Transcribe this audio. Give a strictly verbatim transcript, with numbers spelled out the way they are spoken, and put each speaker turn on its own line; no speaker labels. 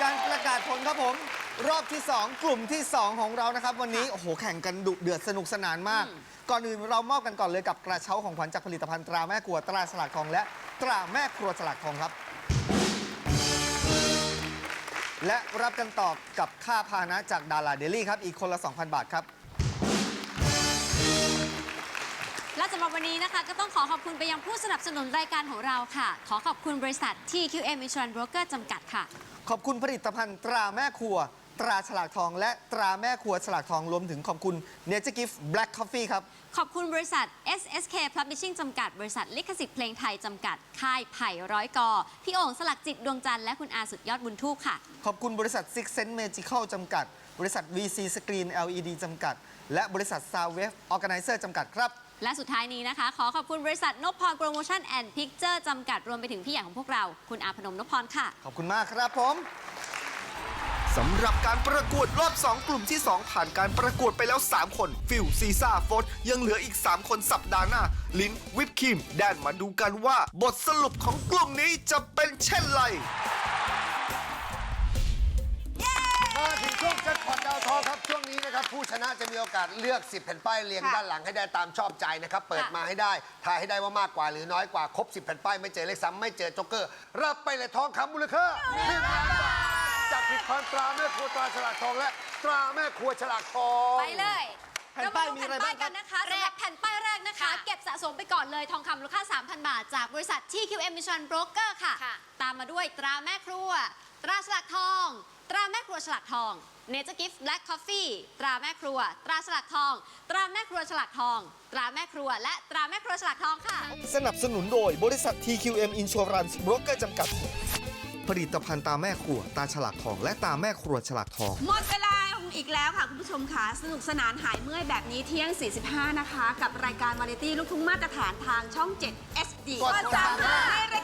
การประกาศผลครับผมรอบที่สองกลุ่มที่สองของเรานะครับวันนี้โอ้โหแข่งกันดุเดือดสนุกสนานมากก่อนอื่นเรามอบกันก่อนเลยกับกระเช้าของขวัญจากผลิตภัณฑ์ตราแม่ครัวตราฉลากทองและตราแม่ครัวฉลากทองครับและรับกันต่อกับค่าพาหนะจากดาราเดลี่ครับอีกคนละ สองพัน บาทครับ
และสำหรับวันนี้นะคะก็ต้องขอขอบคุณไปยังผู้สนับสนุนรายการของเราค่ะขอขอบคุณบริษัท ที คิว เอ็ม Insurance Broker จำกัดค่ะ
ขอบคุณผลิตภัณฑ์ตราแม่ครัวตราฉลากทองและตราแม่ครัวฉลากทองรวมถึงขอบคุณ Nature Gift Black Coffee ครับ
ขอบคุณบริษัท เอส เอส เค Publishing จำกัดบริษัทลิขสิทธิ์เพลงไทยจำกัดค่ายไผ่ร้อยกอพี่โอ่งสลักจิตดวงจันทร์และคุณอาสุดยอดบุญทูกค่ะ
ขอบคุณบริษัท Six Sense Magical จำกัดบริษัท วี ซี Screen แอล อี ดี จำกัดและบริษัท Soundwave Organizer จำกัดครับ
และสุดท้ายนี้นะคะขอขอบคุณบริษัทนพพรโปรโมชั่นแอนด์พิกเจอร์จำกัดรวมไปถึงพี่ใหญ่ของพวกเราคุณอาพนมนพพรค่ะ
ขอบคุณมากครับผมสำหรับการประกวดรอบสองกลุ่มที่สองผ่านการประกวดไปแล้วสามคนฟิลซีซ่าโฟสยังเหลืออีกสามคนสัปดาห์หน้าลิ้นวิปครีมแดนมาดูกันว่าบทสรุปของกลุ่มนี้จะเป็นเช่นไร
มาถึงช่วงแจ็คพอตดาวทองครับช่วงนี้นะครับผู้ชนะจะมีโอกาสเลือกสิบแผ่นป้ายเรียงด้านหลังให้ได้ตามชอบใจนะครับเปิดมาให้ได้ทายให้ได้ว่ามากกว่าหรือน้อยกว่าครบสิบแผ่นป้ายไม่เจอเลขซ้ำไม่เจอโจ๊กเกอร์รับไปเลยทองคำมูลค่าหนึ่งล้านบาทจากผลิตภัณฑ์ตราแม่ครัวตราฉลากทองและตราแม่ครัวฉลากทอง
ไปเลย
แผ่นป้ายมีอะไรบ้างครับ
นะคะสำหรับแผ่นป้ายแรกนะคะเก็บสะสมไปก่อนเลยทองคำมูลค่า สามพัน บาทจากบริษัท ที คิว เอ็ม Insurance Broker ค่ะตามมาด้วยตราแม่ครัวตราฉลากทองตราแม่ครัวฉลากทอง Nature Gift Black Coffee ตราแม่ครัวตราฉลากทองตราแม่ครัวฉลากทองตราแม่ครัวและตราแม่ครัวฉลากทองค่ะ
สนับสนุนโดยบริษัท ที คิว เอ็ม Insurance Broker จำกัดผลิตภัณฑ์ตาแม่ครัวตาฉลากทองและตาแม่ครัวฉลากทอง
หมดเวลาอีกแล้วค่ะคุณผู้ชมค่ะสนุกสนานหายเมื่อยแบบนี้เที่ยง สี่สิบห้า นะคะกับรายการวาไรตี้ลูกทุ่งมาตรฐานทางช่อง เจ็ด เอส ดี
กดสามห้า
ในราย